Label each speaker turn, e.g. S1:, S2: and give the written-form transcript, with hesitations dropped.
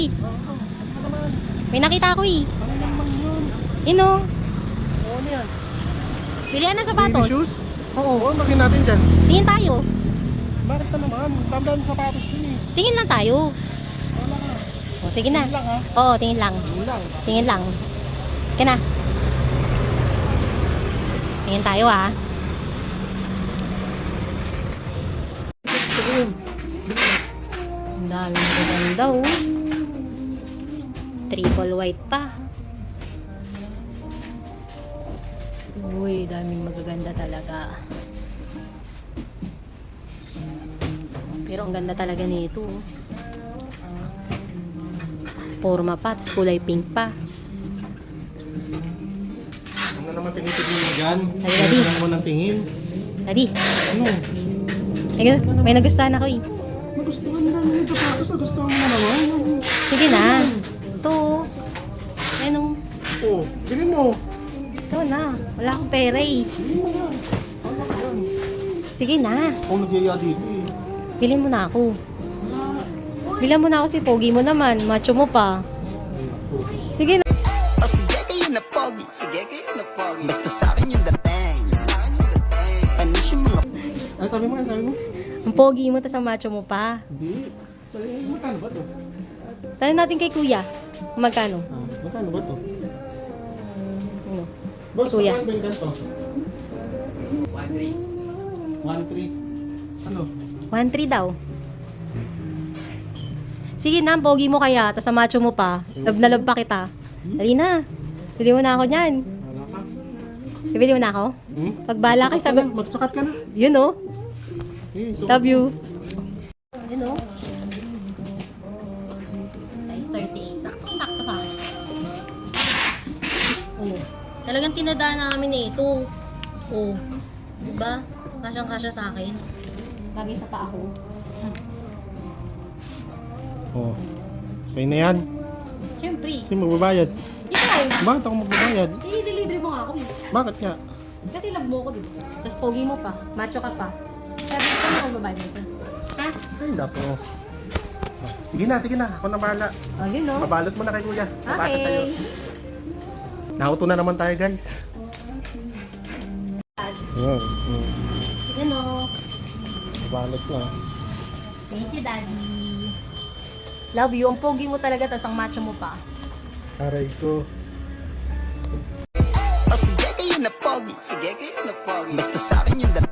S1: May nakita ako eh.
S2: Ano naman yun?
S1: Yun o.
S2: Ano yan?
S1: Bilihan ng sapatos.
S2: Baby shoes?
S1: Oo.
S2: Oo, lagyan natin dyan.
S1: Tingin tayo.
S2: Bakit na naman? Damdam sa sapatos ko eh.
S1: Tingin lang tayo.
S2: Wala ka.
S1: O, sige na.
S2: Tingin lang ha?
S1: Oo, tingin lang.
S2: Tingin lang.
S1: Tingin lang. Sige na. Tingin tayo ah. Ang dami magaganda oh. Triple white pa. Uy, daming magaganda talaga. Pero ang ganda talaga nito. Forma pa, tapos kulay pink pa.
S2: Ano naman tinitigil mo dyan?
S1: Ay, Daddy.
S2: Ano naman ang tingin?
S1: Daddy,
S2: Ano?
S1: may nagustuhan ako eh.
S2: Nagustuhan lang yung sapatos. Nagustuhan mo na naman.
S1: Sige na. Ito. Ayan o.
S2: Oo, bilhin mo.
S1: Ito na. Wala akong pera eh.
S2: Bilhin mo yan. Ano ka yan?
S1: Sige na.
S2: Ako nagyaya dito eh.
S1: Bilhin mo na ako.
S2: Wala.
S1: Bilhan mo na ako si Pogi mo naman. Macho mo pa. Sige na.
S3: O sige kayo na pogi, sige kayo na pogi. Basta sa'kin yung dating, sa'kin yung dating. Ano yung mga
S2: Ano sabi mo? Ano sabi mo?
S1: Ang Pogi mo, tas ang macho mo pa.
S2: Hindi. Magkano ba to?
S1: Tanong natin kay Kuya. Kung magkano?
S2: Ah, magkano ba to?
S1: Ano?
S2: Boss,
S1: Kuya.
S2: magkano ba yung ganito? 1.3. Ano?
S1: 1.3 daw. Sige na, ang Pogi mo kaya, tas ang macho mo pa. Love na love pa kita. Dali na. Bili mo na ako niyan.
S2: Wala ka?
S1: Bibili mo na ako?
S2: Hmm?
S1: Pagbala kay sagot.
S2: Magsakat ka na.
S1: Yun oh.
S2: Eh, so,
S1: Love you. Yun oh. Size 38. Sakto sa akin. Oh. Talagang tinadaan namin na ito. Oh. Diba? Kasyang-kasya sa akin. Bagay sa pa ako.
S2: oh. Sa'yo na yan.
S1: Siyempre.
S2: Sino magbabayad?
S1: Ikaw.
S2: Bakit ako magbabayad?
S1: I-deliver mo nga ako eh.
S2: Bakit nga?
S1: Kasi love mo ko, diba? Tapos pogi mo pa. Macho ka pa. Sabi ko na ako babae mo ito. Ha?
S2: Ay, nako. Sige na, sige na. Ako na bahala.
S1: Oh, yun oh.
S2: Mabalot mo na kay kuya. Papasa sa'yo.
S1: Okay.
S2: Nauto na naman tayo, guys. Yan.
S1: Yun oh.
S2: Mabalot na.
S1: Thank you, Daddy. Love you. Ang pogi mo talaga, tapos ang macho mo pa.
S2: Aray ko.
S3: O sige kayo na pogi, sige kayo na pogi. Basta sa'kin yung dating.